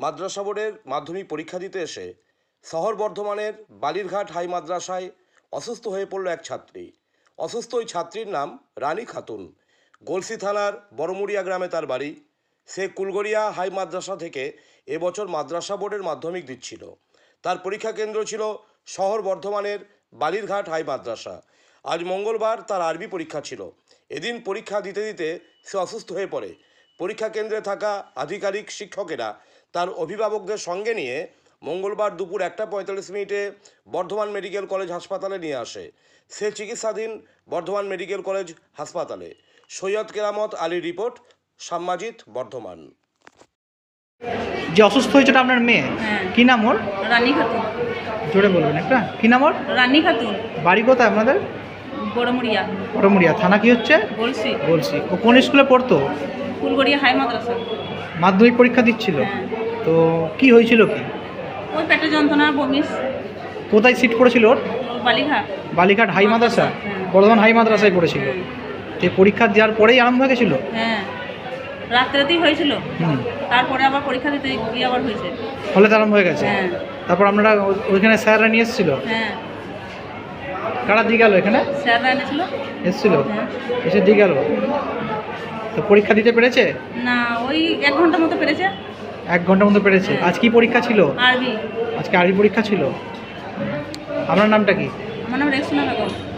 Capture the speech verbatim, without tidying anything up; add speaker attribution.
Speaker 1: মাদ্রাসা বোর্ডের মাধ্যমিক পরীক্ষা দিতে এসে শহর বর্ধমানের বালিরঘাট হাই মাদ্রাসায় অসুস্থ হয়ে পড়ল এক ছাত্রী। অসুস্থ ওই ছাত্রীর নাম রানী খাতুন। গলসি থানার বড়মুড়িয়া গ্রামে তার বাড়ি। সে কুলগড়িয়া হাই মাদ্রাসা থেকে এবছর মাদ্রাসা বোর্ডের মাধ্যমিক দিচ্ছিল। তার পরীক্ষা কেন্দ্র ছিল শহর বর্ধমানের বালিরঘাট হাই মাদ্রাসা। আজ মঙ্গলবার তার আরবি পরীক্ষা ছিল। এদিন পরীক্ষা দিতে দিতে সে অসুস্থ হয়ে পড়ে। পরীক্ষা কেন্দ্রে থাকা আধিকারিক শিক্ষকেরা তার অভিভাবকদের সঙ্গে নিয়ে মঙ্গলবার দুপুর একটা পঁয়তাল্লিশ মিনিটে বর্ধমান মেডিকেল কলেজ হাসপাতালে নিয়ে আসে। সে চিকিৎসাধীন বর্ধমান মেডিকেল কলেজ হাসপাতালে। সৈয়দ কেরামত আলী রিপোর্ট, সাম্মাজিদ, বর্ধমান।
Speaker 2: যে অসুস্থ হয়েছে আপনার মেয়ে,
Speaker 3: হ্যাঁ।
Speaker 2: কি নাম ওর?
Speaker 3: রানী খাতুন।
Speaker 2: জোরে বলবেন একটা। কি নাম ওর?
Speaker 3: রানী খাতুন।
Speaker 2: বাড়ি কোথায় আপনাদের?
Speaker 3: বড়মুড়িয়া।
Speaker 2: বড়মুড়িয়া থানা কি হচ্ছে?
Speaker 3: বলছি
Speaker 2: বলছি। ও কোন স্কুলে পড়তো?
Speaker 3: ফুলগড়িয়া হাই মাদ্রাসা।
Speaker 2: মাধ্যমিক পরীক্ষা দিচ্ছিল।
Speaker 3: হ্যাঁ।
Speaker 2: তো কি হয়েছিল কি?
Speaker 3: ওই পেটে যন্ত্রণা, বমিস।
Speaker 2: কোথায় সিট পড়েছিল ওর?
Speaker 3: বালিঘাট।
Speaker 2: বালিঘাট হাই মাদ্রাসা,
Speaker 3: হ্যাঁ।
Speaker 2: বর্ধমান হাই মাদ্রাসায় পড়েছিল।
Speaker 3: হ্যাঁ।
Speaker 2: তো পরীক্ষা দেওয়ার পরেই আরম্ভ হয়ে গেছিল?
Speaker 3: হ্যাঁ, রাত্রেতেই হয়েছিল।
Speaker 2: হুম।
Speaker 3: তারপরে আবার পরীক্ষা দিতে গিয়ে আবার হয়েছে।
Speaker 2: ফলে তো আরম্ভ হয়ে গেছে।
Speaker 3: হ্যাঁ।
Speaker 2: তারপর আপনারা ও- ওইখানে স্যাররা নিয়ে এসেছিল?
Speaker 3: হ্যাঁ,
Speaker 2: কারা দিয়ে গেল এখানে?
Speaker 3: স্যাররা এনেছিল।
Speaker 2: এসেছিল?
Speaker 3: হ্যাঁ।
Speaker 2: এসে দিয়ে গেল। তো পরীক্ষা দিতে পেরেছে?
Speaker 3: না, ওই এক ঘন্টার মতো পেরেছে।
Speaker 2: এক ঘন্টার মতো পেরেছে।
Speaker 3: হ্যাঁ।
Speaker 2: আজ কি পরীক্ষা ছিল?
Speaker 3: আরবি।
Speaker 2: আজকে আরবি পরীক্ষা ছিল। আপনার নামটা কি?
Speaker 3: আমার নাম রেক্সোনা বেগম।